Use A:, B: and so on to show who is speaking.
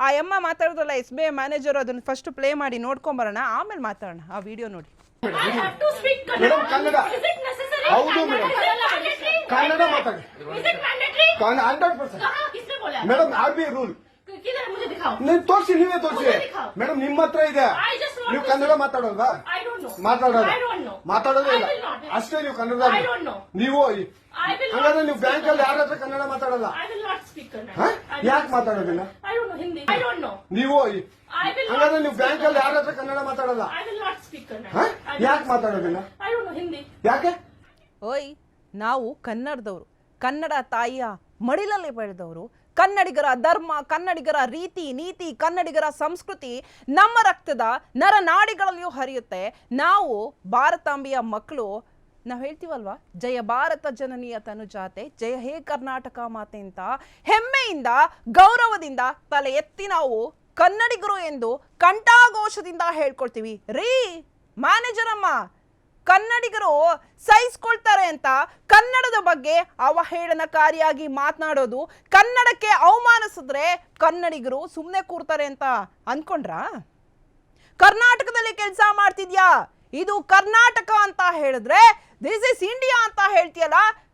A: ಆ ಅಮ್ಮ ಮಾತಾಡೋದಲ್ಲ SBI ಮ್ಯಾನೇಜರ್ ಅದನ್ನ ಫಸ್ಟ್ ಪ್ಲೇ ಮಾಡಿ ನೋಡ್ಕೊಂಬರೋಣ, ಆಮೇಲೆ ಮಾತಾಡೋಣ. ಆ ವಿಡಿಯೋ ನೋಡಿ.
B: ಮೇಡಮ್ ಕನ್ನಡ ಹೌದು ಮೇಡಮ್, ಕನ್ನಡ ಮಾತಾಡಿ 100%. ಮೇಡಮ್ RBI ರೂಲ್ ನೀವು ತೋರಿಸಿ, ನೀವೇ ತೋರಿಸಿ ಮೇಡಮ್. ನಿಮ್ಮ ಹತ್ರ ಇದೆ, ನೀವು ಕನ್ನಡ ಮಾತಾಡೋಲ್ವಾ? ಮಾತಾಡೋದೇ ಇಲ್ಲ ಅಷ್ಟೇ. ನೀವು ಕನ್ನಡ ನೀವು ಹಂಗಾದ್ರೆ ನೀವು ಬ್ಯಾಂಕ್ ಅಲ್ಲಿ ಯಾರ ಹತ್ರ ಕನ್ನಡ ಮಾತಾಡಲ್ಲ? ಯಾಕೆ ಮಾತಾಡೋದಿಲ್ಲ ನೀವು? ಹಂಗಾದ್ರೆ ನೀವು ಬ್ಯಾಂಕ್ ಅಲ್ಲಿ ಯಾರ ಹತ್ರ ಕನ್ನಡ ಮಾತಾಡಲ್ಲ? ಯಾಕೆ ಮಾತಾಡೋದಿಲ್ಲ? ಯಾಕೆ?
A: ಓಯ್, ನಾವು ಕನ್ನಡದವರು, ಕನ್ನಡ ತಾಯಿಯ ಮಡಿಲಲ್ಲಿ ಬೆಳೆದವರು, ಕನ್ನಡಿಗರ ಧರ್ಮ, ಕನ್ನಡಿಗರ ರೀತಿ ನೀತಿ, ಕನ್ನಡಿಗರ ಸಂಸ್ಕೃತಿ ನಮ್ಮ ರಕ್ತದ ನರನಾಡಿಗಳಲ್ಲಿಯೂ ಹರಿಯುತ್ತೆ. ನಾವು ಭಾರತಾಂಬೆಯ ಮಕ್ಕಳು. ನಾವು ಹೇಳ್ತೀವಲ್ವಾ, ಜಯ ಭಾರತ ಜನನಿಯ ತನುಜಾತೆ, ಜಯ ಹೇ ಕರ್ನಾಟಕ ಮಾತೆ ಅಂತ ಹೆಮ್ಮೆಯಿಂದ ಗೌರವದಿಂದ ತಲೆ ಎತ್ತಿ ನಾವು ಕನ್ನಡಿಗರು ಎಂದು ಕಂಠಾಘೋಷದಿಂದ ಹೇಳ್ಕೊಳ್ತೀವಿ. ರೀ ಮ್ಯಾನೇಜರ್ ಅಮ್ಮ, ಕನ್ನಡಿಗರು ಸಹಿಸ್ಕೊಳ್ತಾರೆ ಅಂತ ಕನ್ನಡದ ಬಗ್ಗೆ ಅವಹೇಳನಕಾರಿಯಾಗಿ ಮಾತನಾಡೋದು, ಕನ್ನಡಕ್ಕೆ ಅವಮಾನಿಸಿದ್ರೆ ಕನ್ನಡಿಗರು ಸುಮ್ಮನೆ ಕೂರ್ತಾರೆ ಅಂತ ಅನ್ಕೊಂಡ್ರಾ? ಕರ್ನಾಟಕದಲ್ಲಿ ಕೆಲಸ ಮಾಡ್ತಿದ್ಯಾ, ಇದು ಕರ್ನಾಟಕ ಅಂತ ಹೇಳಿದ್ರೆ ದಿಸ್ ಇಸ್ ಇಂಡಿಯಾ ಅಂತ ಹೇಳ್ತೀಯಲ್ಲ,